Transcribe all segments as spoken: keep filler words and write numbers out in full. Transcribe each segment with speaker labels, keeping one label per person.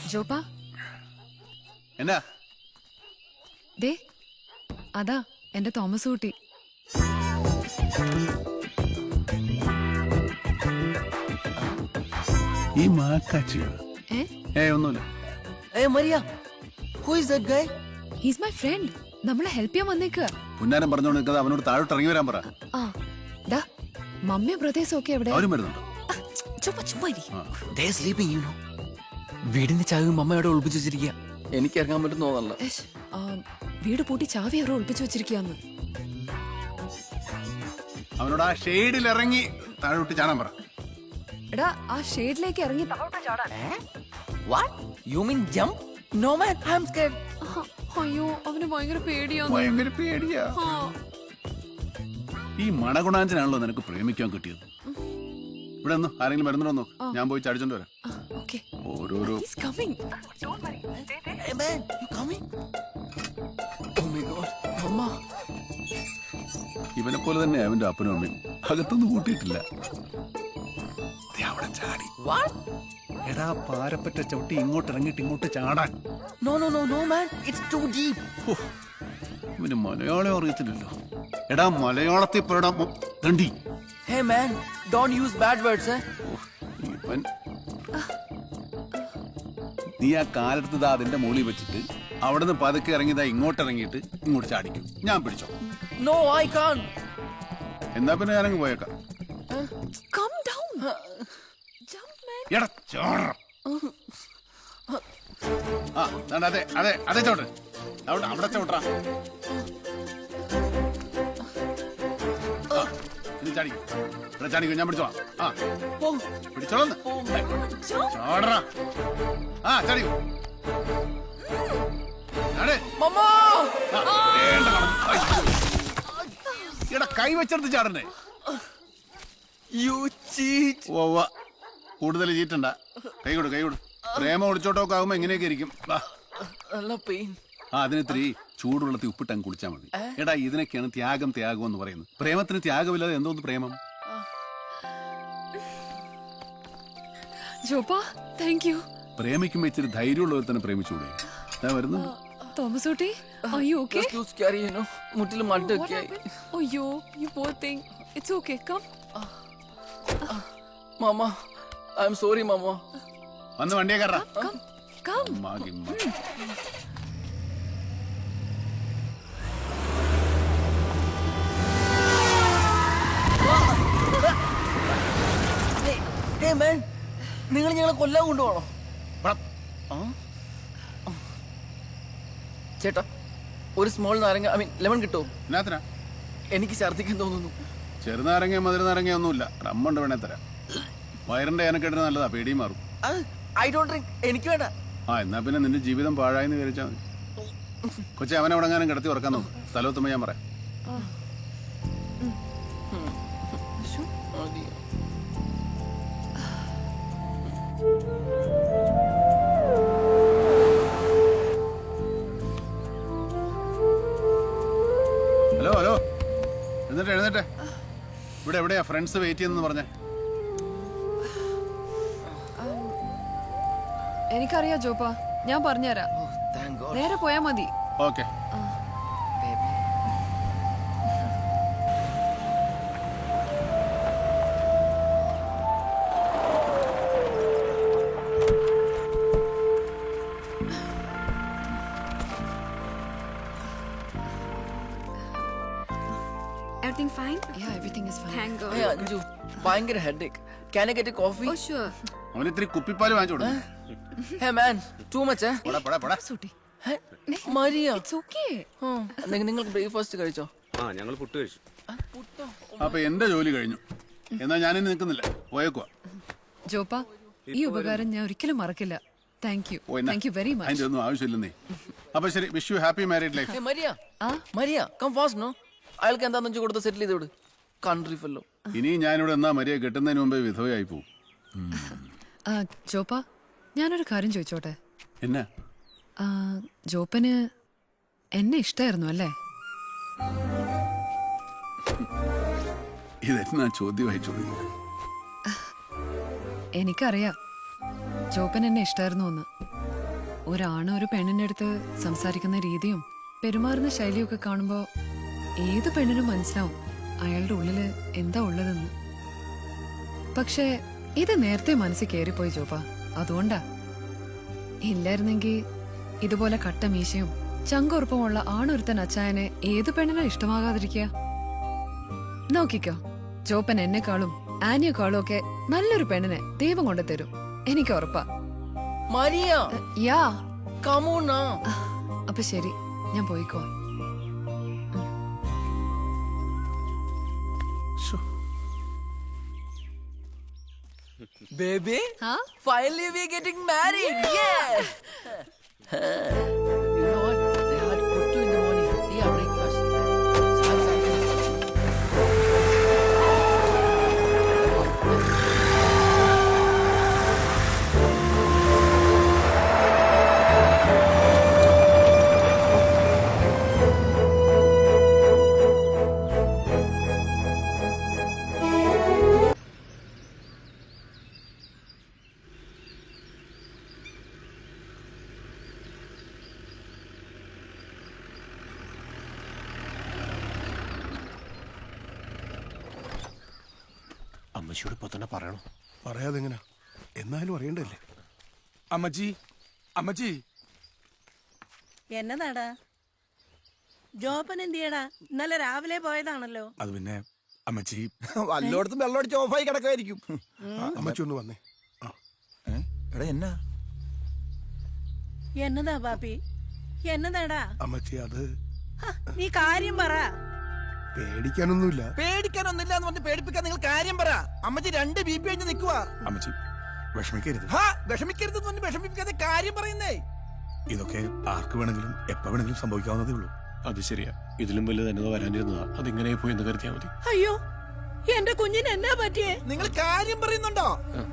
Speaker 1: ജോപ്പാ
Speaker 2: എന്നാ
Speaker 1: ദേ അതാ എന്റെ തോമസ് കുട്ടി.
Speaker 2: ഈ മാക്കാച്ചിയോ?
Speaker 1: ഏ
Speaker 2: ഏ ഒന്നുമില്ല.
Speaker 3: Hey Maria, who is that guy?
Speaker 1: He's my friend. നമ്മളെ ഹെൽപ്പ് ചെയ്യാൻ വന്നേക്കുക.
Speaker 2: പുന്നാരം പറഞ്ഞോണ്ട് നിൽക്കാതെ അവനോട് താഴോട്ട് ഇറങ്ങി വരാൻ പറ.
Speaker 1: ആ ദാ മമ്മിയും ബ്രദേഴ്സും ഒക്കെ എവിടെ?
Speaker 2: അവരും വരുന്നുണ്ടോ?
Speaker 1: ചുമ്മാ ചുമ്മാ ഇരി.
Speaker 3: They are sleeping, you know. വീടിന്റെ ചാവിയും അമ്മ അവിടെ ഒളിപ്പിച്ചു വെച്ചിരിക്കുക. എനിക്ക് ഇറങ്ങാൻ പറ്റും തോന്നല്ല.
Speaker 1: ഏഷ്, ആ, വീട് പൂട്ടി ചാവി അവരെ ഒളിപ്പിച്ചു വെച്ചിരിക്കാന്ന്.
Speaker 2: അവനോട് ആ ഷെയ്ഡിൽ ഇറങ്ങി താഴോട്ട് ചാടാൻ പറ.
Speaker 1: എടാ ആ ഷേഡിലേക്ക് ഇറങ്ങി താഴോട്ട് ചാടാൻ.
Speaker 3: What? You mean jump? No man, I'm scared.
Speaker 1: ആഹാ, അയ്യോ അവന് ഭയങ്കര പേടിയാന്ന്.
Speaker 2: ഭയങ്കര പേടിയാ.
Speaker 1: ആ,
Speaker 2: ഈ മണഗുണാഞ്ചനാണല്ലോ നിനക്ക് പ്രേമിക്കാൻ കിട്ടിയത്. ഇവിടെ ഒന്നും ആരെങ്കിലും വരുന്നുണ്ടോ നോക്ക്. ഞാൻ പോയി ചടിച്ചോണ്ട് വരാം.
Speaker 1: ആ, okay.
Speaker 2: ഓരോരോ
Speaker 1: He's coming.
Speaker 3: Hey man, you coming? Oh my god, Mama.
Speaker 2: ഇവനെ പോലെ തന്നെ അവന്റെ അപ്പനും അമ്മയും അകത്തൊന്നും കൂട്ടിയിട്ടില്ല. ദേ അവിടെ ചാടി.
Speaker 3: What?
Speaker 2: എടാ പാരപ്പറ്റ ചവിട്ടി ഇങ്ങോട്ട് ഇറങ്ങിയിട്ട് ഇങ്ങോട്ട് ചാടാൻ.
Speaker 3: No, no, no, no man, it's too deep.
Speaker 2: ഹോ, ഇവന് മലയാളം അറിയത്തില്ലല്ലോ. എടാ മലയാളത്തിൽ പറയടാ തണ്ടി.
Speaker 3: Hey man, don't use bad words, eh?
Speaker 2: ഇവൻ നീ ആ കാലെടുത്തതാ അതിന്റെ മുകളിൽ വെച്ചിട്ട് അവിടുന്ന് പതുക്കെ ഇറങ്ങിയതാ ഇങ്ങോട്ട് ഇറങ്ങിയിട്ട് ഇങ്ങോട്ട് ചാടിക്കും. ഞാൻ പിടിച്ചോ.
Speaker 3: No, I can't.
Speaker 2: എന്നാ പിന്നെ ഞാനങ്ങ് പോയേക്കാം.
Speaker 1: Calm down. Jump man.
Speaker 2: എടാ ചോട. ആ ദാണ്ട അതെ അതെ അതെ ചോട്ട്. അവിടെ അവിടെ ചോട്ടാ. ഇനി ചാടിക്കും. ഇവിടെ ചാടിക്കും. ഞാൻ പിടിച്ചോളാം. ആ പിടിച്ചോളന്ന്. ചോടറാ. ആ ചാടിക്കും.
Speaker 3: Mama!
Speaker 2: എടാ കൈ വെച്ചെടുത്ത് ചാടണ്ടേ?
Speaker 3: You cheat.
Speaker 2: ഓവ കൂടുതൽ ചീറ്റണ്ട. കൈ കൊടു കൈ കൊടു. പ്രേമ ഒളിച്ചോട്ടൊക്കെ ആകുമ്പോ എങ്ങനെയൊക്കെ ഇരിക്കും.
Speaker 3: നല്ല പെയിൻ.
Speaker 2: ആ അതിനിത്തിരി ചൂടുവെള്ളത്തിൽ ഉപ്പിട്ടങ്ങ് കുളിച്ചാൽ മതി. എടാ ഇതിനൊക്കെയാണ് ത്യാഗം ത്യാഗം എന്ന് പറയുന്നത്. പ്രേമത്തിന് ത്യാഗമില്ലാതെ എന്തോന്ന് പ്രേമം?
Speaker 1: ജോപ്പാ താങ്ക് യു.
Speaker 2: പ്രേമിക്കുമ്പോ ഇച്ചിരി ധൈര്യമുള്ളവർ തന്നെ പ്രേമിച്ചൂടെ? ഞാൻ വരുന്നു.
Speaker 1: തോമസ് കുട്ടി are you okay?
Speaker 3: Just too scary, you know. മുട്ടിൽ
Speaker 1: What
Speaker 3: മട്ടൊക്കെ.
Speaker 1: happened? അയ്യോ you poor thing. It's okay, come.
Speaker 3: Mama, I'm sorry, Mama.
Speaker 2: വന്ന് വണ്ടിയെ കയറാ.
Speaker 1: Come, come.
Speaker 3: Hey, hey man, നിങ്ങൾ ഞങ്ങളെ കൊല്ലാൻ കൊണ്ടുപോകണോ? ചേട്ടാ ഒരു സ്മോൾ നാരങ്ങ ഐ മീൻ ലെമൺ കിട്ടുമോ?
Speaker 2: എന്നാത്തിനാ?
Speaker 3: എനിക്ക് ഛർദ്ദിക്കാൻ തോന്നുന്നു.
Speaker 2: ചെറുനാരങ്ങ മധുരനാരങ്ങ ഒന്നുമില്ല. റമ്മുണ്ട് വേണേ തരാം. വയറിന്റെ ഏനക്കെട്ടിന് നല്ലതാ. പേടിയും മാറും.
Speaker 3: I don't drink. എനിക്ക് വേണ്ട.
Speaker 2: ആ എന്നാ പിന്നെ നിന്റെ ജീവിതം പാഴായെന്ന് വിചാരിച്ചാൽ മതി. കൊച്ചെ അവനെ എവിടെങ്ങാനും കിടത്തി ഉറക്കാൻ നോക്കും. സ്ഥലത്തുമ്പോ ഞാൻ പറയാം. ഹലോ ഹലോ എഴുന്നേറ്റെ എഴുന്നേറ്റെ. ഇവിടെ എവിടെയാ ഫ്രണ്ട്സ് വെയിറ്റ് ചെയ്യുന്നെന്ന് പറഞ്ഞേ?
Speaker 1: എനിക്കറിയാം ജോപ്പാ, ഞാൻ പറഞ്ഞുതരാം. നേരെ പോയാ മതി.
Speaker 2: Okay.
Speaker 4: Everything fine?
Speaker 1: Yeah, everything is fine.
Speaker 4: Thank God.
Speaker 3: Hey Anju, ഭയങ്കര headache. Can I get a coffee?
Speaker 4: Oh sure.
Speaker 2: അവന് ഇത്തിരി കുപ്പിപ്പാല് വാങ്ങിച്ചു കൊടുക്കും.
Speaker 3: Hey man, too much eh?
Speaker 2: പോടാ പോടാ പോടാ.
Speaker 1: സുട്ടി.
Speaker 3: Hey, Maria.
Speaker 1: It's okay.
Speaker 3: നിങ്ങൾക്ക് ബ്രേക്ക്ഫാസ്റ്റ് കഴിച്ചോ?
Speaker 5: ആ ഞങ്ങൾ പുട്ട് കഴിച്ചു.
Speaker 3: പുട്ടോ?
Speaker 2: അപ്പൊ എന്റെ ജോലി കഴിഞ്ഞു. എന്നാ ഞാനിനി നിൽക്കുന്നില്ല. പോയേക്കുവാ.
Speaker 1: ജോപ്പാ ഈ ഉപകാരം ഞാൻ ഒരിക്കലും മറക്കില്ല. Thank you. Thank you very much.
Speaker 2: അതിന്റെ ഒന്നും ആവശ്യമില്ലെന്നേ. അപ്പൊ ശരി. Wish you happy married life.
Speaker 3: Hey Maria.
Speaker 1: ആ
Speaker 3: Maria, come fast no. അയാൾക്ക് എന്താന്ന് വെച്ച് കൊടുത്ത് സെറ്റിൽ ചെയ്ത് വിട്. Country fellow.
Speaker 2: ഇനി ഞാനിവിടെ എന്നാ മരിയ കെട്ടുന്നതിന് മുമ്പേ വിധവയായി പോവും.
Speaker 1: ആ, ജോപ്പാ ഞാനൊരു കാര്യം ചോദിച്ചോട്ടെ?
Speaker 2: എന്നാ?
Speaker 1: ആ, ജോപ്പന് എന്നെ ഇഷ്ടായിരുന്നു അല്ലേ?
Speaker 2: ഇതെന്നാ ചോദ്യമായി ചോദിക്കുന്നത്?
Speaker 1: എനിക്കറിയാം ജോപ്പൻ എന്നെ ഇഷ്ടായിരുന്നു എന്ന്. ഒരാണ് ഒരു പെണ്ണിന്റെ അടുത്ത് സംസാരിക്കുന്ന രീതിയും പെരുമാറുന്ന ശൈലിയൊക്കെ കാണുമ്പോ ഏത് പെണ്ണിനും മനസ്സിലാവും അയാളുടെ ഉള്ളില് എന്താ ഉള്ളതെന്ന്. പക്ഷേ ഇത് നേരത്തെ മനസ്സിൽ കയറിപ്പോയി ജോപ്പ, അതുകൊണ്ടാ. ഇല്ലായിരുന്നെങ്കി ഇതുപോലെ കട്ട മീശയും ചങ്കുറപ്പമുള്ള ആണൊരുത്തൻ അച്ചായനെ ഏത് പെണ്ണിനാ ഇഷ്ടമാകാതിരിക്കുക? നോക്കിക്കോ, ജോപ്പൻ എന്നെക്കാളും ആനിയെക്കാളും ഒക്കെ നല്ലൊരു പെണ്ണിനെ ദൈവം കൊണ്ട് തരും, എനിക്ക് ഉറപ്പാ.
Speaker 3: മരിയ
Speaker 1: യാ
Speaker 3: കമോണാ.
Speaker 1: അപ്പൊ ശരി, ഞാൻ പോയിക്കോ.
Speaker 3: Baby,
Speaker 1: Huh?
Speaker 3: finally we're getting married. Yeah. You know what? They had kuttu in the morning. Yeah, breakfast.
Speaker 4: അമ്മച്ചിയോട് ഇപ്പൊ തന്നെ പറയണം.
Speaker 5: പറയാതെ എങ്ങനാ, എന്നാലും അറിയണ്ടല്ലേ.
Speaker 6: അമ്മച്ചി, അമ്മച്ചി,
Speaker 7: എന്നതാടാ ജോപ്പൻ എന്തിയടാ? ഇന്നലെ രാവിലെ പോയതാണല്ലോ.
Speaker 6: അത് പിന്നെ അമ്മച്ചി
Speaker 8: വല്ലോടത്തും വെള്ളമടിച്ച് ഓഫായി കിടക്കുമായിരിക്കും.
Speaker 5: അമ്മച്ചി ഒന്ന് വന്നേ. ആ,
Speaker 8: എടാ എന്നാ
Speaker 7: എന്നതാ പാപ്പി, എന്നതാടാ?
Speaker 5: അമ്മച്ചി അത്
Speaker 7: ഹ, നീ കാര്യം പറ.
Speaker 5: പേടിക്കാനൊന്നുമില്ല.
Speaker 8: പേടിക്കാനൊന്നില്ല എന്ന് പറഞ്ഞ് പേടിപ്പിക്കാൻ നിങ്ങൾ കാര്യം പറ. അമ്മച്ചി രണ്ട് ബി പി കഴിഞ്ഞ് നിൽക്കുവാ.
Speaker 6: അമ്മച്ചി വിഷമിക്കരുത്.
Speaker 8: ഹാ വിഷമിക്കരുതെന്ന് പറഞ്ഞ് വിഷമിപ്പിക്കാതെ കാര്യം പറയുന്നേ.
Speaker 6: ഇതൊക്കെ ആർക്ക് വേണമെങ്കിലും എപ്പോ വേണമെങ്കിലും സംഭവിക്കാവുന്നതേ ഉള്ളൂ.
Speaker 4: അത് ശരിയാ, ഇതിലും വലുത് എന്നതാ വരാനിരുന്നതാ. അതിങ്ങനെ പോയി എന്ന് കരുതിയാ മതി.
Speaker 7: അയ്യോ, എന്റെ കുഞ്ഞിന് എന്നാ പറ്റിയേ?
Speaker 8: നിങ്ങൾ കാര്യം പറയുന്നുണ്ടോ?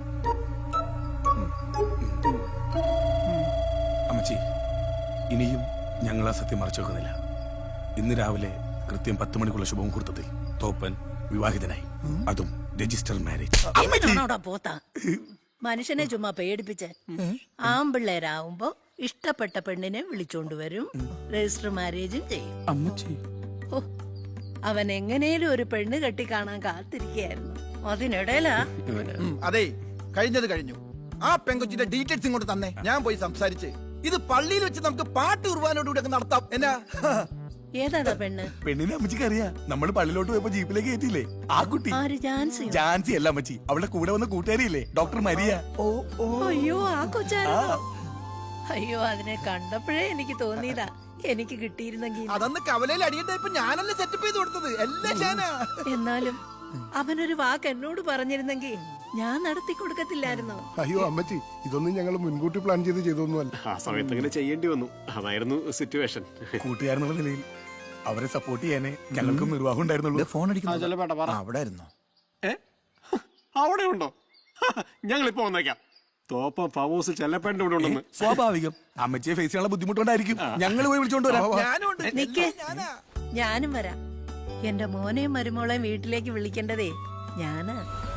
Speaker 6: അമ്മച്ചി, ഇനിയും ഞങ്ങൾ ആ സത്യം മറച്ചു വെക്കുന്നില്ല. ഇന്ന് രാവിലെ കൃത്യം പത്ത് മണിക്കുള്ള ശുഭമുഹൂർത്തത്തിൽ തോപ്പൻ വിവാഹിതനായി, അതും രജിസ്റ്റർ മാരേജ്.
Speaker 7: എന്നാണോടാ പോത്താ മനുഷ്യനെ ചുമ്മാ പേടിപ്പിച്ച്? ആമ്പിള്ളേരാവുമ്പോ ഇഷ്ടപ്പെട്ട പെണ്ണിനെ വിളിച്ചോണ്ട് വരും, രജിസ്റ്റർ മാരേജും ചെയ്യും.
Speaker 6: അമ്മച്ചി,
Speaker 7: ഓ, അവൻ എങ്ങനെയും ഒരു പെണ്ണ് കെട്ടി കാണാൻ കാത്തിരിക്കയായിരുന്നു. അതിനിടയിലാ
Speaker 4: ഇവന്
Speaker 8: ഉം, അതെ, കഴിഞ്ഞത് കഴിഞ്ഞു. ആ പെങ്കൊച്ചിന്റെ ഡീറ്റെയിൽസ് ഇങ്ങോട്ട് തന്നെ, ഞാൻ പോയി സംസാരിച്ച് ഇത് പള്ളിയിൽ വെച്ച് നമുക്ക് പാട്ട് കുർബാനോടുകൂടി ഒക്കെ നടത്താം. എന്നാ
Speaker 7: ഏതാടാ പെണ്ണ്?
Speaker 6: പെണ്ണിനെ അമ്മച്ചിക്ക് അറിയാം. നമ്മൾ പള്ളിയിലോട്ട് പോയപ്പോ ജീപ്പിലേക്ക് കയറ്റിയില്ലേ ആ കുട്ടി.
Speaker 7: ആര്? ജാൻസി?
Speaker 6: ജാൻസി അല്ല അമ്മച്ചി, അവളുടെ കൂടെ വന്ന കൂട്ടുകാരിയില്ലേ ഡോക്ടർ മരിയ.
Speaker 8: ഓ ഓ
Speaker 7: അയ്യോ, ആ കൊച്ചായിരുന്നോ? അയ്യോ, അതിനെ കണ്ടപ്പോഴേ എനിക്ക് തോന്നിയതാ എനിക്ക് കിട്ടിയിരുന്നെങ്കിൽ.
Speaker 8: അതന്ന് കവലയിൽ അടിയണ്ടായപ്പോ ഞാനല്ലേ സെറ്റപ്പ് ചെയ്ത് കൊടുത്തത് എല്ലാം ഞാനാ.
Speaker 7: എന്നാലും അവനൊരു വാക്ക് എന്നോട് പറഞ്ഞിരുന്നെങ്കിൽ ഞാൻ നടത്തി കൊടുക്കത്തില്ലായിരുന്നോ?
Speaker 5: അയ്യോ അമ്മച്ചി, ഇതൊന്നും ഞങ്ങൾ മുൻകൂട്ടി പ്ലാൻ ചെയ്ത് ചെയ്തൊന്നുമല്ല.
Speaker 4: ആ സമയത്ത് അങ്ങനെ ചെയ്യേണ്ടി വന്നു. അതായിരുന്നു സിറ്റുവേഷൻ.
Speaker 6: കൂട്ടുകാരെന്നുള്ള നിലയിൽ അവരെ സപ്പോർട്ട് ചെയ്യാനേ ഞങ്ങൾക്കും നിർവാഹം ഉണ്ടായിരുന്നുള്ളൂ.
Speaker 8: ഫോൺ അടിക്കുന്നു. അവിടെ ആയിരുന്നോ?
Speaker 4: ഏ അവിടെ ഉണ്ടോ? ഞങ്ങളിപ്പോ വന്നേക്കാം. തോപ്പം ഫാം ഹൗസിൽ ചെല്ലപ്പേണ്ട ഇവിടെ ഉണ്ടെന്ന്.
Speaker 6: സ്വാഭാവികം, അമ്മച്ചിയെ ഫേസ് ചെയ്യാനുള്ള ബുദ്ധിമുട്ടുണ്ടായിരിക്കും. ഞങ്ങൾ പോയി വിളിച്ചോണ്ട് വരാം.
Speaker 8: ഞാനും ഉണ്ട്.
Speaker 7: നിക്കേ,
Speaker 8: ഞാനാ.
Speaker 7: ഞാനും വരാം. എന്റെ മോനെയും മരുമോളെയും വീട്ടിലേക്ക് വിളിക്കേണ്ടതേ ഞാനാ.